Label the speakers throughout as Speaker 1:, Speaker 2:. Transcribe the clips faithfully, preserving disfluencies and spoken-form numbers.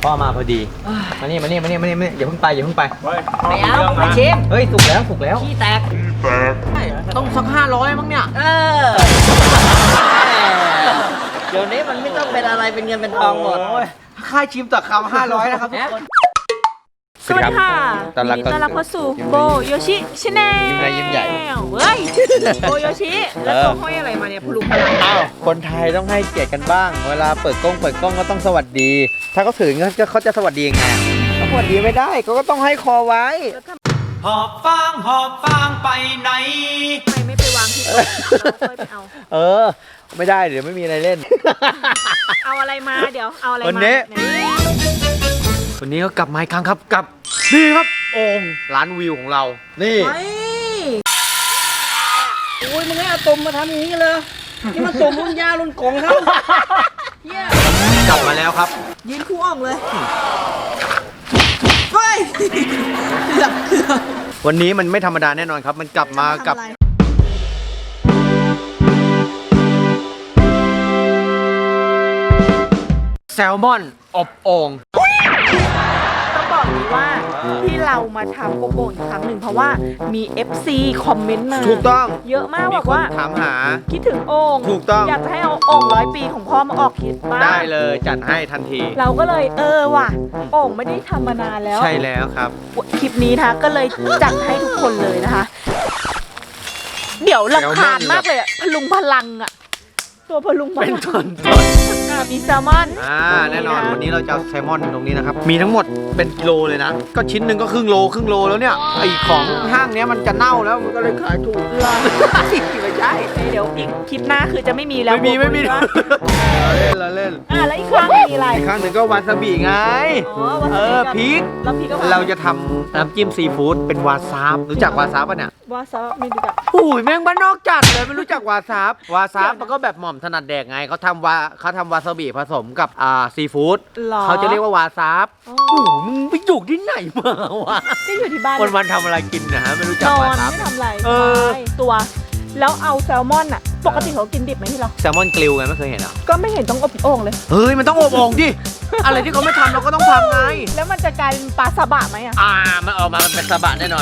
Speaker 1: พ่อมาพอดีมานี่มานี่มานี่มานี่อย่าเพิ่งไปอย่าเพิ่งไป
Speaker 2: ไม่เอาไม่ชิม
Speaker 1: เฮ้ยสุกแล้วสุกแล้ว
Speaker 2: ขี้แตก
Speaker 1: ต้องสักห้าร้อยมั้งเนี่ย
Speaker 2: เออเดี๋ยวนี้มันไม่ต้องเป็นอะไรเป็นเงินเป็นทองหมด
Speaker 1: ค่าชิมต่อคำห้าร้อยนะครับทุกคน
Speaker 3: สวัสดีค่ะ
Speaker 1: ตอนรับ
Speaker 3: ยินดีต้อนรับเข้าสู่โบโยชิชาแนล
Speaker 1: ยิ้มใหญ่
Speaker 3: เฮ้ยโบโยชิแล้วตัวห้อยอะไรมาเนี่ยพลุงพลัง
Speaker 1: อ้าวคนไทยต้องให้เกียรติกันบ้าง เวลาเปิดกล้องเปิดกล้องก็ต้องสวัสดี ถ้าเขาถือเงินเขาจะสวัสดียังไงเขาสวัสดีไม่ได้เขาก็ต้องให้คอไว้
Speaker 4: หอบฟางหอบฟางไปไหน
Speaker 3: ทำไมไม่ไปวางที่โต๊ะเราค่อยไปเอา
Speaker 1: เออ ไม่ได้เดี๋ยวไม่มีอะไรเล่น
Speaker 3: เอาอะไรมาเดี๋ยวเอาอะไร
Speaker 1: วัน
Speaker 3: มา
Speaker 1: นี้
Speaker 3: ไห
Speaker 1: วันนี้ก็กลับมาอีกครั้งครับกับนี่ครับโอ่งร้านวิวของเรา นี่
Speaker 2: ไม่โอ้ยมึงให้เอาตุ่มมาทำอย่างนี้เลยนี่มันตุ่มรุ่นยารุ่นกงเขาเฮีย
Speaker 1: กลับมาแล้วครับ
Speaker 2: ยืนคู่อ่องเลยเฮ้ยเกือบเกือบ
Speaker 1: วันนี้มันไม่ธรรมดาแน่นอนครับ มันกลับมากับ
Speaker 2: ทำอะไร
Speaker 1: แซลมอนอบโอ่ง
Speaker 3: ต้องบอกนี้ว่าที่เรามาทำโกโก้อีกครั้งหนึ่งเพราะว่ามี เอฟ ซี คอมเมนต์มา
Speaker 1: ถูกต้อง
Speaker 3: เยอะมาก
Speaker 1: มี
Speaker 3: บอก
Speaker 1: คน
Speaker 3: ว่า
Speaker 1: ถามหา
Speaker 3: คิดถึงโอ่ง
Speaker 1: ถูกต้อง
Speaker 3: อยากจะให้เอาโอ่งร้อยปีของพ่อมาออกคลิปบ้าง
Speaker 1: ได้เลยจัดให้ทันที
Speaker 3: เราก็เลยเออว่ะโอ่งไม่ได้ทำมานานแล้ว
Speaker 1: ใช่แล้วครับ
Speaker 3: คลิปนี้นะคะก็เลยจัดให้ทุกคนเลยนะคะ เดี๋ยวรำคาญมากเลยอะพลุงพลังอะตัวพลุงพลัง
Speaker 1: เป็นต้น
Speaker 3: อ่ะมีแซลมอน
Speaker 1: อ่าแน่นอนวันนี้เราจะเอาแซลมอนตรงนี้นะครับ มีทั้งหมดเป็นกิโลเลยนะ ก็ชิ้นหนึ่งก็ครึ่งโลครึ่งโลแล้วเนี่ยไอของห้างเนี้ยมันจะเน่าแล้วมันก็เลยขายถูก
Speaker 3: เหรอ
Speaker 1: ไม่ใช่
Speaker 3: เดี๋ยวอีกคลิปหน้าคือจะไม่มีแล้ว
Speaker 1: ไม่มีไม่มี
Speaker 3: บอก
Speaker 1: เรา
Speaker 3: เลยว่า
Speaker 1: เล่นเราเล่น
Speaker 3: อ่ะแล้วอีกครั้งมีอะไร
Speaker 1: อีกครั้งหนึ่งก็วาซาบิไง
Speaker 3: อ๋อวา
Speaker 1: เอ
Speaker 3: ซาบิ
Speaker 1: อ
Speaker 3: กับ
Speaker 1: พริก
Speaker 3: แล้วพริกก็
Speaker 1: เราจะทำน้ำจิ้มซีฟู้ดเป็นวาซาบรู้จักวาซาบป่ะเนี่ย
Speaker 3: วาซาบิไม่รู้จัก
Speaker 1: อุ้ยแม่งบ้านนอกจัดเลยไม่รู้จักวาซาบวาซาบมันก็แบบหม่อมถนัดแดกไงเขาทำวาเขาทำวาซาบิผสมกับอ่าซีฟู้ด
Speaker 3: หรอ
Speaker 1: เขาจะเรียกว่าวาซาบ
Speaker 3: อ๋อ
Speaker 1: โอ้โหมึงไปอยู่ที่ไหนมาวะ
Speaker 3: ก็อยู่ที่บ้าน
Speaker 1: วันวันๆทำอะไรกินนะฮะไม่รู้จัก
Speaker 3: นอ
Speaker 1: วาน ซาบ
Speaker 3: ไม่ทำอะไร
Speaker 1: เออ
Speaker 3: ใช่ตัว แล้วเอาแซลมอนอะปกติเขากินดิบไหมที่เรา
Speaker 1: แซลมอนกริลไงไม่เคยเห็นเหรอ
Speaker 3: ก็ไม่เห็นต้องอบโอ่งเลย
Speaker 1: เฮ้ยมันต้องอบโอ่งดิอะไรที่เขาไม่ทำเราก็ต้องทำไง
Speaker 3: แล้วมันจะกลายเป็นปลาซาบะไหมอะ
Speaker 1: อ่ามันออกมามันเป็นสบะแน่นอน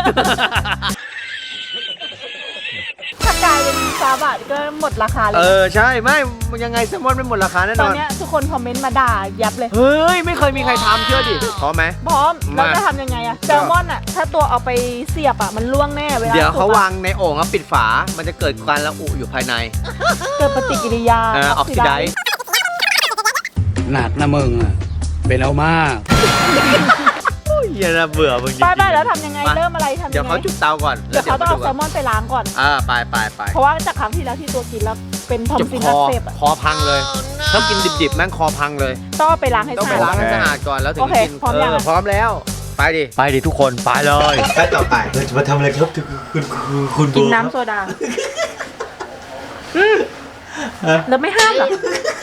Speaker 3: ถ้ากลายเป็นซาบะก็หมดราคาเล
Speaker 1: เอย อใช่ไม่ยังไงแซลมอนไม่หมดราคาแน่
Speaker 3: ต
Speaker 1: น
Speaker 3: อ
Speaker 1: อน น
Speaker 3: เนี้ยทุกคนคอมเมนต์มาด่ายับเลย
Speaker 1: เฮ้ยไม่เคยมีใครทำเชื่อดิพร้อมไหม
Speaker 3: พร้อม
Speaker 1: มา
Speaker 3: เราจะทำยังไงอะแซลมอนอะถ้าตัวเอาไปเสียบอะมันล่วงแน่เวลา
Speaker 1: เดี๋ยวเขา
Speaker 3: สุกอะ
Speaker 1: วางในโอ่งแล้วปิดฝา มันจะเกิดการระอุอยู่ภายใน
Speaker 3: เกิดปฏิกิริยา
Speaker 1: เออออกซิไดซ์
Speaker 5: หนักนะมึงอ่ะ เป็นเอามาก
Speaker 1: อย่านะเบื่อมึงจริง
Speaker 3: ไป
Speaker 1: ๆ
Speaker 3: ไปแล้วทำยังไง
Speaker 1: มา
Speaker 3: เริ่มอะไรทำยังไง
Speaker 1: เดี๋ยวเขาจุดเตาก่อน
Speaker 3: เดี๋ยวเขาต้องเอาแซลม
Speaker 1: ม
Speaker 3: อนไปล้างก่อน
Speaker 1: อ่าไปไปไป
Speaker 3: เพราะว่าจากครั้งที่แล้วที่ตัวกินแล้วเป็นทอม
Speaker 1: เจ็บ
Speaker 3: ซิน
Speaker 1: ค
Speaker 3: อั
Speaker 1: อก
Speaker 3: เสบอะ
Speaker 1: คอพังเลย ถ้ากินดิบๆแม่งคอพังเลย
Speaker 3: ต้องเอาไปล้างให้
Speaker 1: ต้อง
Speaker 3: สะ
Speaker 1: ไป
Speaker 3: อาด
Speaker 1: ล้างให้สะอาดก่อนแล้วถึง
Speaker 3: โอเค
Speaker 1: กิน
Speaker 3: พร้อมยัง
Speaker 1: เออพร้อมแล้ว ไปดิ ไปดิทุกคนไปเลย
Speaker 6: ขั้นต่อไปเราจะมาทำอะไรครับคุณคุณคุณ
Speaker 3: กิน
Speaker 6: โบ
Speaker 3: น้ำโซดาแล้วไม่ห้ามเหรอ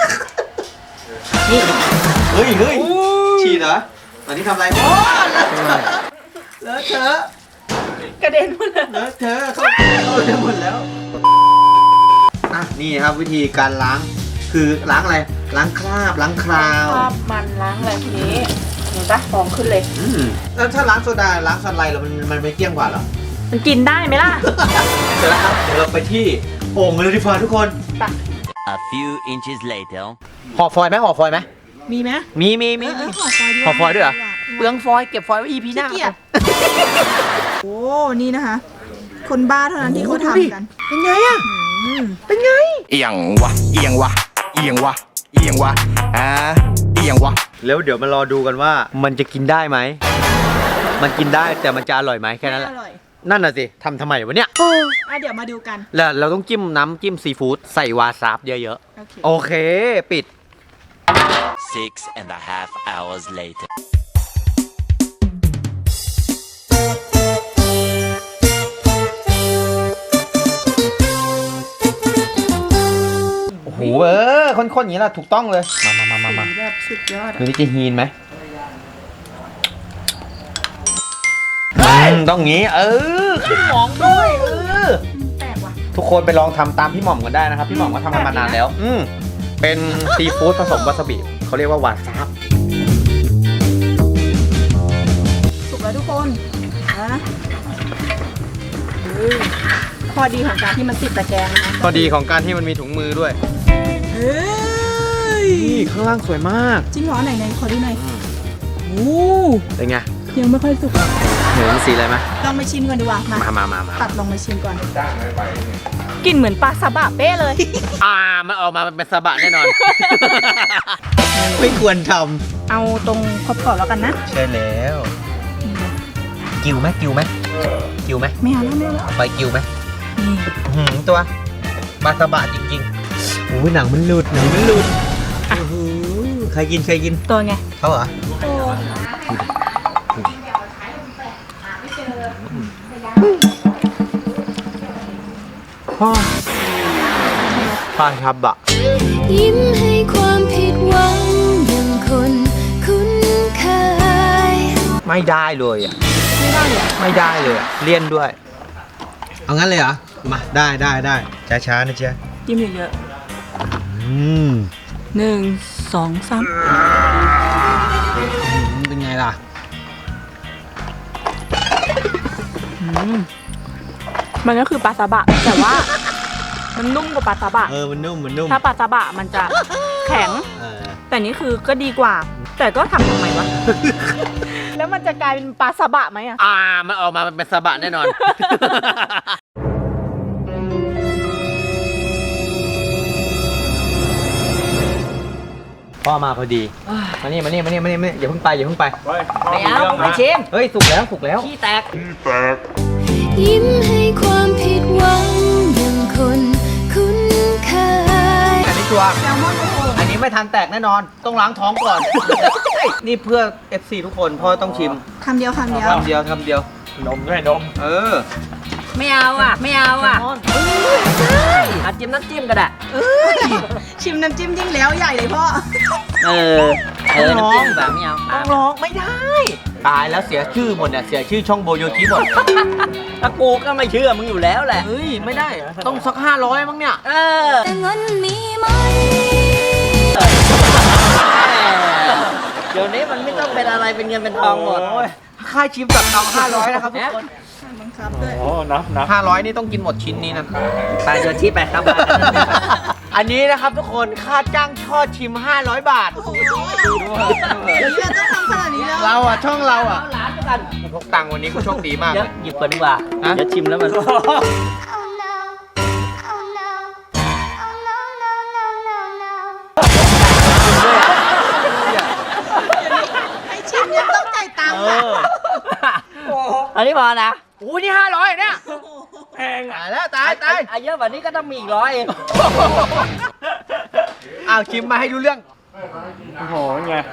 Speaker 6: เฮ้ยเฮ้ยฉีดเหรออันนี้ทำอะไรโอ้เลอะเทอะ
Speaker 3: กระเด็นหมดเลย
Speaker 6: เลอะเทอะเข้าไปหมดแล้วอ่ะนี่ครับวิธีการล้างคือล้างอะไรล้างคราบล้างคราว
Speaker 3: คราบมันล้างอะไรทีนี้เห็นปะฟองขึ้นเลย
Speaker 6: อืมแล้วถ้าล้างโซดาล้างสไลด์แล้วมันมันไม่เกลี้ยงกว่าเหรอ
Speaker 3: มันกินได้ไหมล่ะ
Speaker 6: เสร็จแล้วครับเดี๋ยวเราไปที่โอ่งเลยดีกว่าทุกคน
Speaker 4: A few inches later
Speaker 1: ห่อฟอยล์ไหมห่อฟอยล์ไหม
Speaker 2: มีไหม
Speaker 1: มีมีมี
Speaker 2: เออ
Speaker 1: มี
Speaker 2: เออห่อฟอยล์ดีก
Speaker 1: ห่อ
Speaker 2: ว่า
Speaker 1: ฟอยล์ด้วยเหรอเปลืองฟอยล์เก็บฟอยล์ไว้ อี พี หน้า
Speaker 2: ขี้เกียจโอ้ นี่นะคะ คนบ้าเท่านั้นที่เขาทำกัน
Speaker 1: เป็นไงอะ
Speaker 2: อืม
Speaker 1: เป็นไง
Speaker 7: เอียงวะเอียงวะเอียงวะเอียงวะอ่าเอียงวะ
Speaker 1: แล้วเดี๋ยวมารอดูกันว่ามันจะกินได้ไหม มันกินได้แต่มันจะอร่อยไหมแค่นั้นแหละ
Speaker 2: อร่อย
Speaker 1: นั่นน่ะสิทำทำไมวะเนี่ย
Speaker 2: อ่ะเดี๋ยวมาดูกัน
Speaker 1: แล้วเราต้องจิ้มน้ำจิ้มซีฟู้ดใส่วาซาบเยอะ
Speaker 2: โอเค
Speaker 1: ๆ โอเค ปิด
Speaker 4: six and a half hours later
Speaker 1: โอ้โหเออคนๆอย่างนี้แหละถูกต้องเลย มามามามามา
Speaker 2: สีแบบสุดยอด
Speaker 1: ดู
Speaker 2: อะ
Speaker 1: นี่จะฮีนไหมอืมต้องงี้ เออขึ้นหมองด้วยเออ
Speaker 2: แปลกว่ะ
Speaker 1: ทุกคนไปลองทำตามพี่หม่อมกันได้นะครับ พี่หม่อมก็ทำกันมานานแล้ว อืมเป็นซีฟู้ดผสมวาซาบิเขาเรียกว่าวาซาบ
Speaker 3: คนนะเฮ้ยข้อดีของการที่มันติดตะแกรงนะคะ
Speaker 1: พอดีของการที่มันมีถุงมือด้วย
Speaker 3: เฮ้ย
Speaker 1: นี่ข้างล่างสวยมาก
Speaker 3: จริงเหรอไหนไหนขอดูหน่อยโอ้
Speaker 1: เป็นไง
Speaker 3: ยังไม่ค่อยสุก
Speaker 1: เหมือนสีอะไรไหม
Speaker 3: ลองมาชิมกันดีกว่ามา
Speaker 1: มามามามา
Speaker 3: ตัดลองมาชิมก่อนกลิ่นเหมือนปลาซาบะเป๊ะเลย
Speaker 1: อ่ามันออกมาเป็นสะบะแน่นอน ไม่ควรท
Speaker 3: เอาตรงขอบๆแล้วกันนะ
Speaker 1: ำใช่แล้ว กิวไหมกิวไหมกิวไหม
Speaker 3: ไม่เอาแล้วไม่เอาแล้ว
Speaker 1: ไปกิวไหม
Speaker 3: นี่
Speaker 1: หืมตัวปลาสะบะจริงๆโอ้ยหนังมันหลุดหนังมันหลุดโอ้โหใครกินใครกิน
Speaker 3: ตัวไง
Speaker 1: เขาเหรอพ่อปลาสะบะ
Speaker 8: ยิ้มให้ความผิดหวังอย่างคนคุ้นเคย
Speaker 1: ไม่ได้เลยอ่ะ
Speaker 3: ไม่ได้เลยอะ
Speaker 1: ไม่ได้เลยอ่ะเลี่ยนด้วย เอางั้นเลยเหรอ มาได้ได้ได้ช้าๆนะเจ๊
Speaker 3: จิ้มเยอะ
Speaker 1: อืม
Speaker 3: ๆหนึ่งสองสาม
Speaker 1: เป็นไงล่ะ
Speaker 3: อืมมันก็คือปลาซาบะแต่ว่า มันนุ่มกว่าปลาซาบะ
Speaker 1: เออ มันนุ่ม มันนุ่ม
Speaker 3: ถ้าปลาซาบะมันจะแข็ง
Speaker 1: เออ
Speaker 3: แต่นี่คือก็ดีกว่า แต่ก็ทำทำไมวะ แล้วมันจะกลายเป็นปลาซาบะไหมอะ
Speaker 1: อ่า มันออกมาเป็นสะบะแน่นอน พ่อมาพอดี มานี่ มานี่ มานี่ มานี่มานี่อย่าเพิ่งไป อย่าเพิ่งไป
Speaker 2: ไม่เอาไม่ชิม
Speaker 1: เฮ้ย สุกแล้ว สุกแล้ว
Speaker 2: ขี้แตก
Speaker 8: ยิ้มให้ความผิดหวังอย่างคนคุ้นเคย
Speaker 1: อันนี้ชัวร์อันนี้ไม่ทันแตกแน่นอน ต้องล้างท้องก่อน นี่เพื่อ เอฟ ซี ทุกคน พ่อต้องชิม
Speaker 3: คำเดียวคำเดียว
Speaker 1: คำเดียวคำเดียว
Speaker 7: นมด้วยนม
Speaker 1: เออ
Speaker 2: ไม่เอาอ่ะ ไม่เอาอ่ะอาจิ้มน้ำจิ้มก็ได้
Speaker 3: ชิมน้ำจิ้มยิ่งแล้วใหญ่เลยพ่อ
Speaker 2: เออ เออ น้ำจิ้มแบบไม่เอา
Speaker 1: ต้องร้องไม่ได้ ตายแล้วเสียชื่อหมดเนี่ย เสียชื่อช่องโบโยชิหมด
Speaker 2: ถ้ากูก็ไม่เชื่อมึงอยู่แล้วแหละ
Speaker 1: เฮ้ย ไม่ได้ ต้องสักห้าร้อยมั้งเนี่ย
Speaker 2: เออ
Speaker 8: แต่เงินมีไหม
Speaker 2: เดี๋ยวนี้มันไม่ต้องเป็นอะไรเป็นเงินเป็นทองหมด
Speaker 1: โอ้ยค่าชิมแบบเอาห้าร้อยนะครับทุกคน
Speaker 3: บังคับด้วย
Speaker 7: โอ้ นับนับ
Speaker 1: ห้าร้อยนี่ต้องกินหมดชิ้นนี้นะ
Speaker 2: ไปโยชิไปครับ
Speaker 1: อันนี้นะครับทุกคนค่าจ้างทอดชิมห้าร้อยบาท
Speaker 3: เดี๋ยวเราต้องทำขนาดนี้แล้ว
Speaker 1: เราอ่ะช่องเราอ่ะ
Speaker 2: เอาหลานไปกัน
Speaker 1: กูพกตังค์วันนี้กูโชคดีมาก
Speaker 2: เดี๋
Speaker 1: เลย
Speaker 2: วย หยิบก่อนดีกว่า
Speaker 1: ฮะ
Speaker 2: เดี๋ยวชิมแล้วมัน
Speaker 8: Oh no Oh no Oh no no no no no
Speaker 3: ให้ชิมยังต้องจ่ายตังค์
Speaker 1: เอ
Speaker 3: อะ
Speaker 1: อ
Speaker 2: อันนี้พอนะ
Speaker 1: โอ้ยนี่ห้าร้อยเนี่ยแพงตายแล้วตายตาย
Speaker 2: อ่ะเยอะกว่านี้ก็ต้องมีอีกร้อยเอง
Speaker 1: อ้าวชิมมาให้ดูเรื่อง
Speaker 7: โอ้โหไง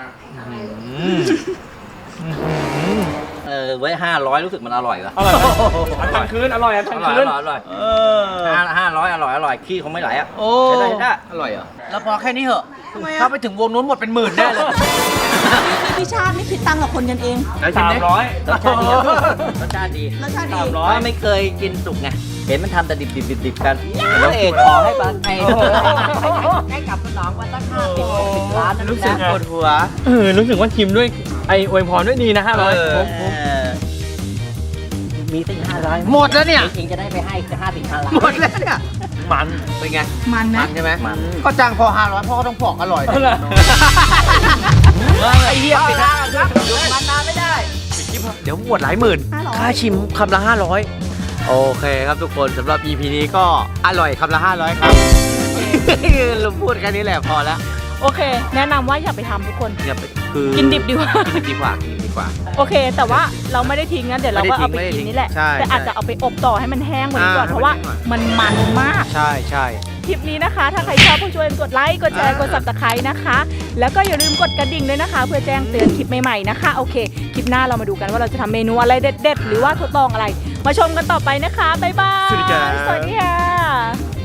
Speaker 2: เออไว้ห้าร้อยรู้สึกมันอร่อยวะ
Speaker 7: อร่อยไหมอันทันคืน อร่อยอัน
Speaker 2: อ
Speaker 7: ทัน
Speaker 2: ร่อย
Speaker 7: คื
Speaker 2: อน ร่อยอร่อย
Speaker 1: เออ
Speaker 2: ห้าห้าร้อยอร่อยอร่อยขี้คงไม่ไหลอ่ะ
Speaker 1: โอ้
Speaker 2: ใช่ได้ใช่ได้
Speaker 1: อร่อยเหรอแล้วพอแค่นี้เหอะ
Speaker 3: ทำไม
Speaker 1: ถ้า
Speaker 3: อะ
Speaker 1: ไปถึงวงนู้นหมดเป็นหมื่นแน่เลย
Speaker 3: พี่ชาติไม่คิดตังค์กับคนกันเอง
Speaker 7: สามร้อย
Speaker 2: รสชาติดีครับรสชาติดี
Speaker 3: รสชาติดี
Speaker 7: สามร้
Speaker 2: เพ
Speaker 7: อย
Speaker 2: ราะไม่เคยกินสุกไง เห็นมันทำแต่ดิบดิบดิบดิบกันแล้วเอกขอให้ปลาไทยให้กลับสนองวันตั้งห้าสิบหกสิบล้านนะ
Speaker 1: รู้สึก
Speaker 2: นะ
Speaker 1: ปวดหัว
Speaker 7: เออ รู้สึกว่าชิมด้วย ไออวยพรด้วยดีนะห้าร้อย
Speaker 1: เออ
Speaker 2: เออมีตั้งห้าร้อย
Speaker 1: หมดแล้วเนี่ย
Speaker 2: จริงๆจะได้ไปให้จะห้าสิบห้าล้าน
Speaker 1: หมดแล้วเนี่ย
Speaker 7: มัน
Speaker 1: เป็นไง
Speaker 3: มันไหม
Speaker 1: มันใช่ไหม
Speaker 2: มัน
Speaker 1: ก็จ้างพอห้าร้อยพ่อก็ต้องบอกอร่อย
Speaker 7: เอาล่ะ
Speaker 1: ไอ้เหี้ยปิด
Speaker 2: ได้ครับอยู่มันนานไม่ได้
Speaker 1: เดี๋ยวหมดหลายหมื่น
Speaker 3: ห้าร้อย
Speaker 1: ค่าชิมคำละห้าร้อยโอเคครับทุกคนสำหรับ อี พี นี้ก็อร่อยคำละห้าร้อยครับ เราพูดแค่นี้แหละพอแล้ว
Speaker 3: โอเค แนะนำว่าอย่าไปทำทุกคน
Speaker 1: อย่าไปคือ
Speaker 3: กินดิบดีกว่า
Speaker 1: กินดิบดีกว่ากินดิบดีกว่า
Speaker 3: โอเค แต่ว่าเราไม่ได้ทิ้งนะเดี๋ยวเราก็เอาไป
Speaker 1: ไม่ได้ทิ้ง
Speaker 3: กินนี่แหละ
Speaker 1: ใช่
Speaker 3: แต่อาจ
Speaker 1: ใช่
Speaker 3: จะเอาไปอบต่อให้มันแห้งกว่านี้ก่อน
Speaker 1: อ่า
Speaker 3: เพราะว่า
Speaker 1: ให้มันแห้งก่อน
Speaker 3: มันมันมาก
Speaker 1: ใช่ใช่
Speaker 3: คลิปนี้นะคะ ถ้าใครชอบผู้ช่วยกดไลค์ กดแชร์
Speaker 1: อ่าก
Speaker 3: ด subscribe นะคะ แล้วก็อย่าลืมกดกระดิ่งด้วยนะคะ เพื่อแจ้งเตือนคลิปใหม่ๆนะคะ โอเค คลิปหน้าเรามาดูกันว่าเราจะทำเมนูอะไรเด็ดๆ หรือว่าทดลองอะไร มาชมกันต่อไปนะคะ บ๊ายบาย
Speaker 1: สวัสดีครับ
Speaker 3: สวัสดีค่ะ